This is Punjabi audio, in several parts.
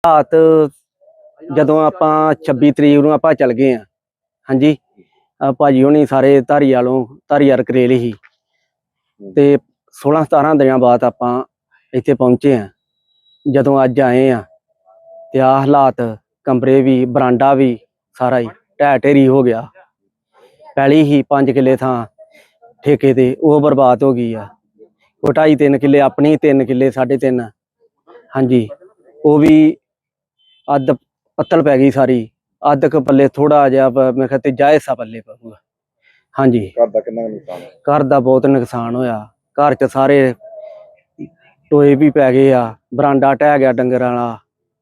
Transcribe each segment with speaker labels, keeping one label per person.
Speaker 1: ਹਾਲਾਤ ਜਦੋਂ ਆਪਾਂ 26 ਤਰੀਕ ਨੂੰ ਆਪਾਂ ਚੱਲ ਗਏ ਆ। ਹਾਂਜੀ, ਭਾਜੀ ਹੋਣੀ ਸਾਰੇ ਧਾਰੀਵਾਲ ਕਰੇਲ ਹੀ ਤੇ 16-17 ਦਿਨਾਂ ਬਾਅਦ ਆਪਾਂ ਇੱਥੇ ਪਹੁੰਚੇ ਆ। ਜਦੋਂ ਅੱਜ ਆਏ ਆ ਤੇ ਆ ਹਾਲਾਤ, ਕਮਰੇ ਵੀ ਬਰਾਂਡਾ ਵੀ ਸਾਰਾ ਹੀ ਢਹਿ ਢੇਰੀ ਹੋ ਗਿਆ। ਪਹਿਲੀ ਹੀ 5 ਕਿੱਲੇ ਥਾਂ ਠੇਕੇ ਤੇ ਉਹ ਬਰਬਾਦ ਹੋ ਗਈ ਆ। ਉਹ 2.5-3 ਕਿੱਲੇ ਆਪਣੀ, 3 ਕਿੱਲੇ 3.5। ਹਾਂਜੀ, ਉਹ ਵੀ ਅੱਧ ਪੱਤਲ ਪੈ ਗਈ ਸਾਰੀ। ਅੱਧ ਕ ਪੱਲੇ ਥੋੜਾ ਜਿਹਾ ਮੇਰੇ ਖਿਆਲ ਤੀਜਾ ਹਿੱਸਾ ਪੱਲੇ ਪਊਗਾ। ਹਾਂਜੀ,
Speaker 2: ਘਰ ਦਾ ਕਿੰਨਾ ਨੁਕਸਾਨ?
Speaker 1: ਘਰ ਦਾ ਬਹੁਤ ਨੁਕਸਾਨ ਹੋਇਆ। ਘਰ ਚ ਸਾਰੇ ਟੋਏ ਵੀ ਪੈ ਗਏ ਆ, ਬਰਾਂਡਾ ਢਹਿ ਗਿਆ ਡੰਗਰਾਂ ਵਾਲਾ,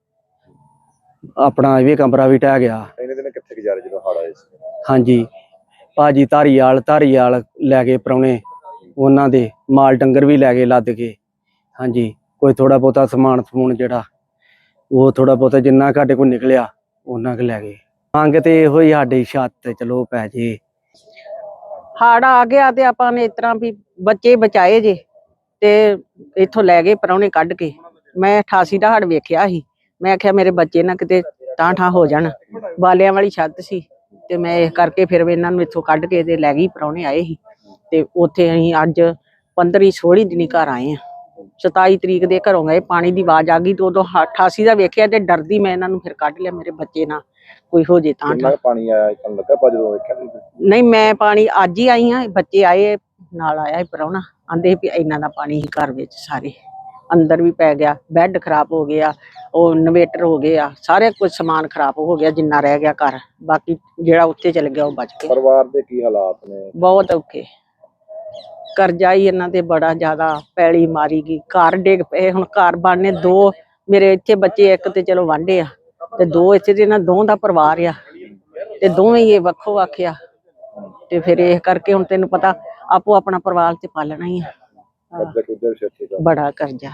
Speaker 1: ਆਪਣਾ ਇਹ ਵੀ ਕਮਰਾ ਵੀ ਢਹਿ ਗਿਆ।
Speaker 2: ਇਹਨੇ ਦਿਨ ਕਿੱਥੇ ਗੁਜ਼ਾਰੇ ਜਦੋਂ ਹੜ੍ਹ ਆਏ ਸੀ?
Speaker 1: ਹਾਂਜੀ, ਭਾਜੀ ਧਾਰੀਵਾਲ ਲੈ ਗਏ ਪ੍ਰਾਹੁਣੇ, ਉਹਨਾਂ ਦੇ ਮਾਲ ਡੰਗਰ ਵੀ ਲੈ ਗਏ ਲੱਦ ਕੇ। ਹਾਂਜੀ, ਕੋਈ ਥੋੜਾ ਬਹੁਤਾ ਸਮਾਨ ਸਮੂਨ ਜਿਹੜਾ ਉਹ ਥੋੜਾ ਬਹੁਤਾ ਜਿੰਨਾ ਸਾਡੇ ਕੋਲ ਨਿਕਲਿਆ ਉਹਨਾਂ ਕੁ ਲੈ ਗਏ। ਮੰਗ ਤੇ ਇਹੋ ਹੀ ਸਾਡੀ ਛੱਤ ਚਲੋ ਪੈ ਜੇ।
Speaker 3: ਹੜ ਆ ਗਿਆ ਤੇ ਆਪਾਂ ਨੇ ਇਸ ਤਰ੍ਹਾਂ ਵੀ ਬੱਚੇ ਬਚਾਏ ਜੇ ਤੇ ਇੱਥੋਂ ਲੈ ਗਏ ਪ੍ਰਾਹੁਣੇ ਕੱਢ ਕੇ। ਮੈਂ 88 ਦਾ ਹੜ ਵੇਖਿਆ ਸੀ। ਮੈਂ ਆਖਿਆ ਮੇਰੇ ਬੱਚੇ ਨਾ ਕਿਤੇ ਠਾਂ ਹੋ ਜਾਣ। ਬਾਲਿਆਂ ਵਾਲੀ ਛੱਤ ਸੀ ਤੇ ਮੈਂ ਇਸ ਕਰਕੇ ਫਿਰ ਇਹਨਾਂ ਨੂੰ ਇੱਥੋਂ ਕੱਢ ਕੇ ਤੇ ਲੈ ਗਈ। ਪ੍ਰਾਹੁਣੇ ਆਏ ਸੀ ਤੇ ਉੱਥੇ ਅਸੀਂ ਅੱਜ 15-16 ਦਿਨੀ ਘਰ ਆਏ ਆ। 27 ਤਰੀਕ ਦੇ ਘਰੋਂ ਗਏ, ਪਾਣੀ ਦੀ ਆਵਾਜ਼ ਆ ਗਈ ਤੇ ਉਦੋਂ 88 ਦਾ ਵੇਖਿਆ ਤੇ ਡਰਦੀ ਮੈਂ ਇਹਨਾਂ ਨੂੰ ਫਿਰ ਕੱਢ ਲਿਆ। ਮੇਰੇ ਬੱਚੇ ਨਾ ਕੋਈ ਹੋ ਜੇ ਤਾਂ
Speaker 2: ਪਾਣੀ ਆਇਆ ਤੁਹਾਨੂੰ ਲੱਗਾ ਪਾ ਜਦੋਂ ਵੇਖਿਆ?
Speaker 3: ਨਹੀਂ, ਮੈਂ ਪਾਣੀ ਅੱਜ ਹੀ ਆਈ ਹਾਂ। ਬੱਚੇ ਆਏ ਨਾਲ, ਆਇਆ ਪ੍ਰਾਹੁਣਾ, ਆਂਦੇ ਵੀ ਇਹਨਾਂ ਦਾ ਪਾਣੀ ਹੀ ਘਰ ਵਿੱਚ ਸਾਰੇ ਅੰਦਰ ਵੀ ਪੈ ਗਿਆ। ਬੈੱਡ ਖਰਾਬ ਹੋ ਗਿਆ, ਉਹ ਇਨਵੇਟਰ ਹੋ ਗਏ ਆ, ਸਾਰੇ ਕੁਝ ਸਮਾਨ ਖਰਾਬ ਹੋ ਗਿਆ ਜਿੰਨਾ ਰਹਿ ਗਿਆ ਘਰ। ਬਾਕੀ ਜਿਹੜਾ ਉੱਥੇ ਚਲ ਗਿਆ ਉਹ ਬਚ ਗਿਆ।
Speaker 2: ਪਰਿਵਾਰ ਦੇ ਕੀ ਹਾਲਾਤ ਨੇ?
Speaker 3: ਬਹੁਤ ਔਖੇ। ਕਰਜ਼ਾ ਹੀ ਇਹਨਾਂ ਤੇ ਬੜਾ ਜ਼ਿਆਦਾ, ਪੈਲੀ ਮਾਰੀ ਗਈ, ਘਰ ਡਿੱਗ ਪਏ। ਹੁਣ ਘਰ ਬਣਨੇ ਦੋ ਮੇਰੇ ਇੱਥੇ ਬੱਚੇ, ਇੱਕ ਤੇ ਚਲੋ ਵਾਂਢੇ ਆ ਤੇ ਦੋ ਇੱਥੇ ਤੇ ਇਹਨਾਂ ਦੋਵਾਂ ਦਾ ਪਰਿਵਾਰ ਆ ਤੇ ਦੋਵੇਂ ਹੀ ਇਹ ਵੱਖੋ ਵੱਖ ਆ। ਤੇ ਫਿਰ ਇਹ ਕਰਕੇ ਹੁਣ ਤੈਨੂੰ ਪਤਾ ਆਪੋ ਆਪਣਾ ਪਰਿਵਾਰ ਤੇ ਪਾਲਣਾ ਹੀ ਆ। ਬੜਾ ਕਰਜ਼ਾ।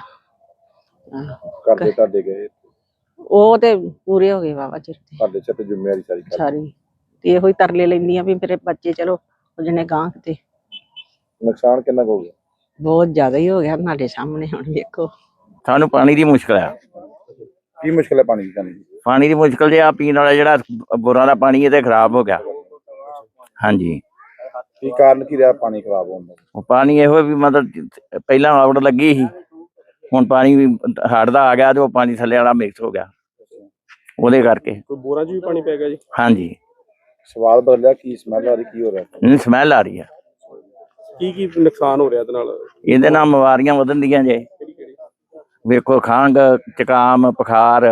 Speaker 2: ਕਰਦੇ ਤੁਹਾਡੇ ਗਏ?
Speaker 3: ਉਹ ਤੇ ਪੂਰੇ ਹੋ ਗਏ ਬਾਬਾ ਚਿਰ ਤੇ।
Speaker 2: ਤੁਹਾਡੇ ਸਿਰ ਤੇ ਜ਼ਿੰਮੇਵਾਰੀ ਸਾਰੀ
Speaker 3: ਤੇ ਇਹੋ ਹੀ ਤਰਲੇ ਲੈਂਦੀ ਆ ਵੀ ਮੇਰੇ ਬੱਚੇ ਚਲੋ ਜਿਹਨੇ ਗਾਂ ਕਿਤੇ।
Speaker 2: ਨੁਕਸਾਨ ਕਿੰਨਾ ਹੋ ਗਿਆ?
Speaker 3: ਬਹੁਤ ਜ਼ਿਆਦਾ ਹੀ ਹੋ ਗਿਆ ਤੁਹਾਡੇ ਸਾਹਮਣੇ ਹੁਣ ਵੇਖੋ।
Speaker 4: ਸਾਨੂੰ ਪਾਣੀ ਦੀ ਮੁਸ਼ਕਲ ਆ।
Speaker 2: ਕੀ ਮੁਸ਼ਕਲ ਹੈ ਪਾਣੀ ਦੀ?
Speaker 4: ਪਾਣੀ ਦੀ ਮੁਸ਼ਕਲ ਜੇ ਆ ਪੀਣ ਵਾਲਾ ਜਿਹੜਾ ਬੋਰਾਂ ਦਾ ਪਾਣੀ ਇਹ ਤੇ ਖਰਾਬ ਹੋ ਗਿਆ। ਹਾਂਜੀ,
Speaker 2: ਕੀ ਕਾਰਨ ਕੀ ਰਿਹਾ ਪਾਣੀ ਖਰਾਬ ਹੋਣ ਦਾ?
Speaker 4: ਉਹ ਪਾਣੀ ਇਹੋ ਵੀ ਮਤਲਬ ਪਹਿਲਾਂ ਆਉੜ ਲੱਗੀ ਸੀ, ਹੁਣ ਪਾਣੀ ਵੀ ਹੜ੍ਹ ਦਾ ਆ ਗਿਆ ਤੇ ਉਹ ਪਾਣੀ ਥੱਲੇ ਵਾਲਾ ਮਿਕਸ ਹੋ ਗਿਆ, ਉਹਦੇ ਕਰਕੇ।
Speaker 2: ਕੋਈ ਬੋਰਾਂ 'ਚ ਵੀ ਪਾਣੀ ਪੈ ਗਿਆ ਜੀ?
Speaker 4: ਹਾਂਜੀ।
Speaker 2: ਸਵਾਲ ਬਦਲਿਆ, ਕੀ ਸਮੈਲ ਆ ਰਹੀ, ਕੀ ਹੋ ਰਿਹਾ?
Speaker 4: ਨਹੀਂ, ਸਮੈਲ ਆ ਰਹੀ ਆ।
Speaker 2: ਕੀ ਨੁਕਸਾਨ ਹੋ ਰਿਹਾ ਇਹਦੇ ਨਾਲ?
Speaker 4: ਇਹਦੇ ਨਾਲ ਬਿਮਾਰੀਆਂ ਵਧਣ ਦੀਆਂ ਜੇ। ਵੇਖੋ, ਖੰਘ, ਜ਼ੁਕਾਮ, ਬੁਖਾਰ।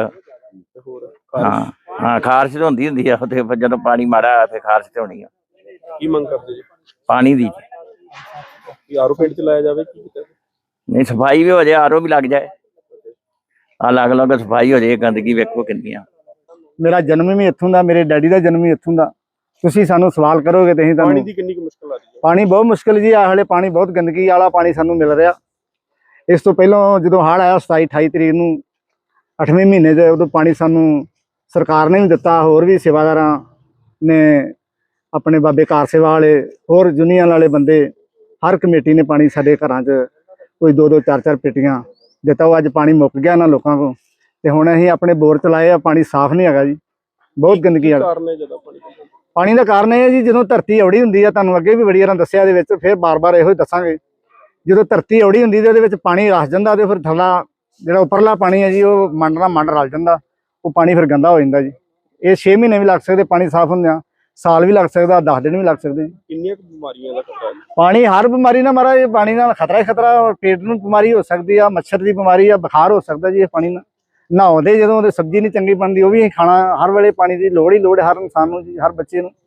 Speaker 4: ਹਾਂ, ਖਾਰਸ਼ ਤਾਂ ਹੁੰਦੀ ਆ ਤੇ ਜਦੋਂ ਪਾਣੀ ਮਾੜਾ ਆ ਫਿਰ ਖਾਰਸ਼ ਤੇ ਹੋਣੀ ਆ।
Speaker 2: ਕੀ ਮੰਗ ਕਰਦੇ ਜੀ?
Speaker 4: ਪਾਣੀ ਦੀ।
Speaker 2: ਕੀ ਆਰਓ ਪਿੰਡ ਚ ਲਾਇਆ ਜਾਵੇ? ਕੀ ਕੀਤਾ?
Speaker 4: ਨਹੀਂ, ਸਫਾਈ ਵੀ ਹੋ ਜਾਏ, ਆਰਓ ਵੀ ਲੱਗ ਜਾਏ, ਅਲੱਗ ਸਫਾਈ ਹੋ ਜਾਏ। ਗੰਦਗੀ ਵੇਖੋ ਕਿੰਨੀ ਆ।
Speaker 5: ਮੇਰਾ ਜਨਮ ਵੀ ਇੱਥੋਂ ਦਾ, ਮੇਰੇ ਡੈਡੀ ਦਾ ਜਨਮ ਵੀ ਇੱਥੋਂ ਦਾ। ਤੁਸੀਂ ਸਾਨੂੰ ਸਵਾਲ ਕਰੋਗੇ ਤੇ ਅਸੀਂ ਤੁਹਾਨੂੰ।
Speaker 2: ਪਾਣੀ ਦੀ ਕਿੰਨੀ ਕੁ ਮੁਸ਼ਕਲ ਆ ਰਹੀ ਹੈ?
Speaker 5: ਪਾਣੀ ਬਹੁਤ ਮੁਸ਼ਕਲ ਜੀ। ਆਹ ਹਲੇ ਪਾਣੀ ਬਹੁਤ ਗੰਦਗੀ ਵਾਲਾ ਪਾਣੀ ਸਾਨੂੰ ਮਿਲ ਰਿਹਾ। ਇਸ ਤੋਂ ਪਹਿਲਾਂ ਜਦੋਂ ਹੜ੍ਹ ਆਇਆ 27-28 ਤਰੀਕ ਨੂੰ 8ਵੇਂ ਮਹੀਨੇ 'ਚ, ਉਦੋਂ ਪਾਣੀ ਸਾਨੂੰ ਸਰਕਾਰ ਨੇ ਵੀ ਦਿੱਤਾ, ਹੋਰ ਵੀ ਸੇਵਾਦਾਰਾਂ ਨੇ, ਆਪਣੇ ਬਾਬੇ ਕਾਰ ਸੇਵਾ ਵਾਲੇ, ਹੋਰ ਯੂਨੀਅਨ ਵਾਲੇ ਬੰਦੇ, ਹਰ ਕਮੇਟੀ ਨੇ ਪਾਣੀ ਸਾਡੇ ਘਰਾਂ 'ਚ ਕੋਈ 2-2 4-4 ਪੇਟੀਆਂ ਦਿੱਤਾ। ਉਹ ਅੱਜ ਪਾਣੀ ਮੁੱਕ ਗਿਆ ਨਾ ਲੋਕਾਂ ਕੋਲ ਤੇ ਹੁਣ ਅਸੀਂ ਆਪਣੇ ਬੋਰ ਚਲਾਏ ਆ। ਪਾਣੀ ਸਾਫ਼ ਨਹੀਂ ਹੈਗਾ ਜੀ, ਬਹੁਤ ਗੰਦਗੀ ਵਾਲਾ। ਪਾਣੀ ਦਾ ਕਾਰਨ ਇਹ ਹੈ ਜੀ, ਜਦੋਂ ਧਰਤੀ ਔੜੀ ਹੁੰਦੀ ਆ, ਤੁਹਾਨੂੰ ਅੱਗੇ ਵੀ ਬੜੀ ਵਾਰ ਦੱਸਿਆ ਇਹਦੇ ਵਿੱਚ, ਫਿਰ ਬਾਰ-ਬਾਰ ਇਹੋ ਹੀ ਦੱਸਾਂਗੇ। ਜਦੋਂ ਧਰਤੀ ਔੜੀ ਹੁੰਦੀ ਤੇ ਉਹਦੇ ਵਿੱਚ ਪਾਣੀ ਰਸ ਜਾਂਦਾ ਤੇ ਫਿਰ ਥੱਲਾ ਜਿਹੜਾ ਉੱਪਰਲਾ ਪਾਣੀ ਹੈ ਜੀ, ਉਹ ਮੰਡ ਨਾਲ ਮੰਡ ਰਲ ਜਾਂਦਾ, ਉਹ ਪਾਣੀ ਫਿਰ ਗੰਦਾ ਹੋ ਜਾਂਦਾ ਜੀ। ਇਹ 6 ਮਹੀਨੇ ਵੀ ਲੱਗ ਸਕਦੇ ਪਾਣੀ ਸਾਫ਼ ਹੁੰਦਿਆਂ, ਸਾਲ ਵੀ ਲੱਗ ਸਕਦਾ, 10 ਦਿਨ ਵੀ ਲੱਗ ਸਕਦੇ ਜੀ।
Speaker 2: ਕਿੰਨੀਆਂ ਬਿਮਾਰੀਆਂ ਦਾ ਖਤਰਾ ਹੈ? ਪਾਣੀ
Speaker 5: ਹਰ ਬਿਮਾਰੀ ਨਾਲ ਮਾਰਾ, ਇਹ ਪਾਣੀ ਨਾਲ ਖਤਰਾ ਹੀ ਖਤਰਾ। ਪੇਟ ਨੂੰ ਬਿਮਾਰੀ ਹੋ ਸਕਦੀ ਆ, ਮੱਛਰ ਦੀ ਬਿਮਾਰੀ ਆ, ਬੁਖਾਰ ਹੋ ਸਕਦਾ ਜੀ ਇਹ ਪਾਣੀ ਨਾਲ। ਨਹਾਉਂਦੇ ਜਦੋਂ ਉਹਦੇ ਸਬਜ਼ੀ ਨਹੀਂ ਚੰਗੀ ਬਣਦੀ, ਉਹ ਵੀ ਖਾਣਾ। ਹਰ ਵੇਲੇ ਪਾਣੀ ਦੀ ਲੋੜ ਹੀ ਲੋੜ ਹਰ ਇਨਸਾਨ ਨੂੰ ਜੀ, ਹਰ ਬੱਚੇ ਨੂੰ।